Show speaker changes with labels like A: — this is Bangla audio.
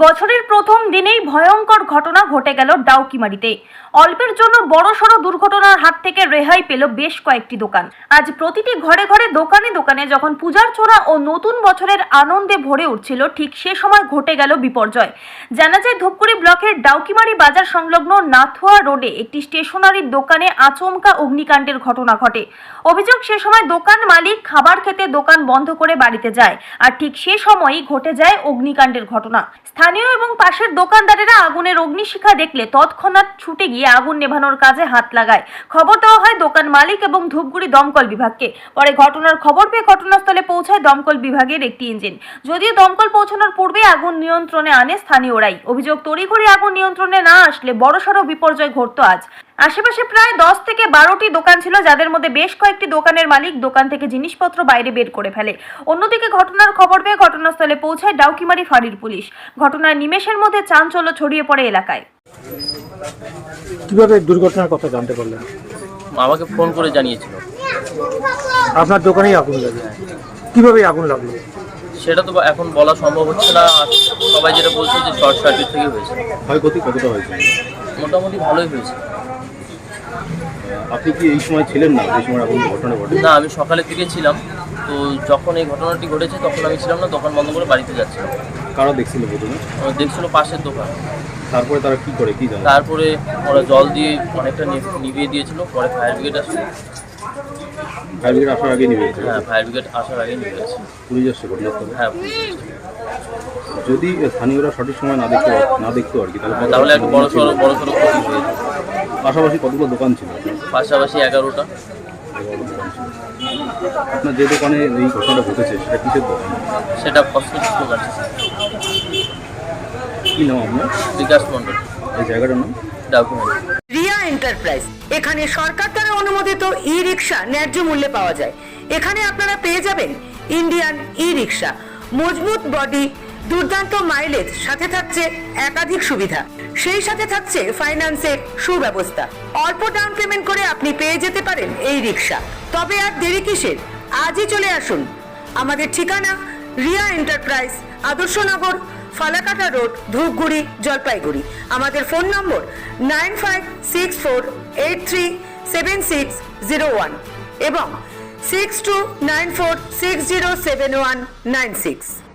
A: বছরের প্রথম দিনেই ভয়ঙ্কর ঘটনা ঘটে গেল ডাউকিমারিতে। অল্পের জন্য বড়সড় দুর্ঘটনার হাত থেকে রেহাই পেল বেশ কয়েকটি দোকান। আজ প্রতিটি ঘরে ঘরে দোকানে দোকানে যখন পূজার ছোড়া ও নতুন বছরের আনন্দে ভরে উঠছিল, ঠিক সে সময় ঘটে গেল বিপর্যয়। জানা যায়, ধূপগুড়ি ব্লকের ডাউকিমারি বাজার সংলগ্ন নাথুয়া রোডে একটি স্টেশনারির দোকানে আচমকা অগ্নিকাণ্ডের ঘটনা ঘটে। অভিযোগ, সে সময় দোকান মালিক খাবার খেতে দোকান বন্ধ করে বাড়িতে যায়, আর ঠিক সে সময়ই ঘটে যায় অগ্নিকাণ্ডের ঘটনা। স্থানীয় এবং পাশের দোকানদারেরা আগুনের অগ্নিশিখা দেখলে তৎক্ষণাৎ ছুটে গিয়ে আগুন নেভানোর কাজে হাত লাগায়। খবর দেওয়া হয় দোকান মালিক এবং ধূপগুড়ি দমকল বিভাগকে। পরে ঘটনার খবর পেয়ে ঘটনাস্থলে পৌঁছায় দমকল বিভাগের একটি ইঞ্জিন। যদিও দমকল পৌঁছানোর পূর্বে আগুন নিয়ন্ত্রণে আনে স্থানীয়রাই। অভিযোগ, তড়িঘড়ি আগুন নিয়ন্ত্রণে না আসলে বড়সড় বিপর্যয় ঘটত আজ। আশেপাশে প্রায় 10 থেকে 12টি দোকান ছিল, যাদের মধ্যে বেশ কয়েকটি দোকানের মালিক দোকান থেকে জিনিসপত্র বাইরে বের করে ফেলে। অন্যদিকে ঘটনার খবর পেয়ে ঘটনাস্থলে পৌঁছায় ডাউকিমারি ফাঁড়ির পুলিশ। ঘটনার নিমেষের মধ্যে চাঞ্চল্য ছড়িয়ে পড়ে এলাকায়।
B: কিভাবে দুর্ঘটনার কথা জানতে পারলেন?
C: আমাকে ফোন করে জানিয়েছিল।
B: আপনার দোকানেই আগুন লাগে? কিভাবে আগুন লাগলো
C: সেটা তো এখন বলা সম্ভব হচ্ছে না। আর সবাই যেটা বলছে যে শর্ট সার্কিট থেকে হয়েছে।
D: ক্ষয়ক্ষতি কতটা হয়েছে?
C: মোটামুটি ভালোই হয়েছে।
D: আপনি কি এই সময় ছিলেন না এই সময় আগুন ঘটনা ঘটে?
C: না, আমি সকালে থেকে ছিলাম। তো যখন এই ঘটনাটি ঘটেছে তখন আমি ছিলাম না, দোকান বন্ধ করে বাড়িতে যাচ্ছিলাম।
D: কারা দেখছিল প্রথমে?
C: দেখছিল পাশের দোকান।
D: তারপরে তারা কি করে কি জানে?
C: তারপরে ওরা জল দিয়ে অনেকটা নিভিয়ে দিয়েছিল। পরে ফায়ার ব্রিগেড আসলো।
D: ফায়ার ব্রিগেড আসার আগে নিবে?
C: হ্যাঁ, ফায়ার ব্রিগেড আসার আগে নিভে গেছে।
D: পুলিশ আসছে ঘটনাস্থলে?
C: হ্যাঁ, পুলিশ এসেছে।
D: যদি স্থানীয়রা সঠিক সময় না দেখতো আর কি,
C: তাহলে একটা বড়সড় ক্ষতি হয়ে যেত।
D: পাশাপাশি কতগুলো দোকান ছিল?
C: পাশাপাশি 11টা।
D: দোকান ছিল। আপনার যে দোকানে এই ঘটনাটা ঘটেছে সেটা কিসের দোকান?
C: সেটা কসমেটিক্স দোকান।
D: কি নাম আপনার?
C: বিকাশ মন্ডল।
D: এই জায়গাটার নাম?
C: ডাউকিমারি।
E: রিয়া এন্টারপ্রাইজ। এখানে সরকার দ্বারা অনুমোদিত ই রিক্সা ন্যায্য মূল্যে পাওয়া যায়। এখানে আপনারা পেয়ে যাবেন ইন্ডিয়ান ই রিক্সা, মজবুত বডি, দুর্দান্ত মাইলেজ, সাথে থাকছে একাধিক সুবিধা। সেই সাথে থাকছে ফাইন্যান্সের সুব্যবস্থা। অল্প ডাউন পেমেন্ট করে আপনি পেয়ে যেতে পারেন এই রিক্সা। তবে আর দেরি কিসের? আজই চলে আসুন। আমাদের ঠিকানা রিয়া এন্টারপ্রাইজ, আদর্শনগর, ফালাকাটা রোড, ধূপগুড়ি, জলপাইগুড়ি। আমাদের ফোন নম্বর 9564837601 এবং 6294607196।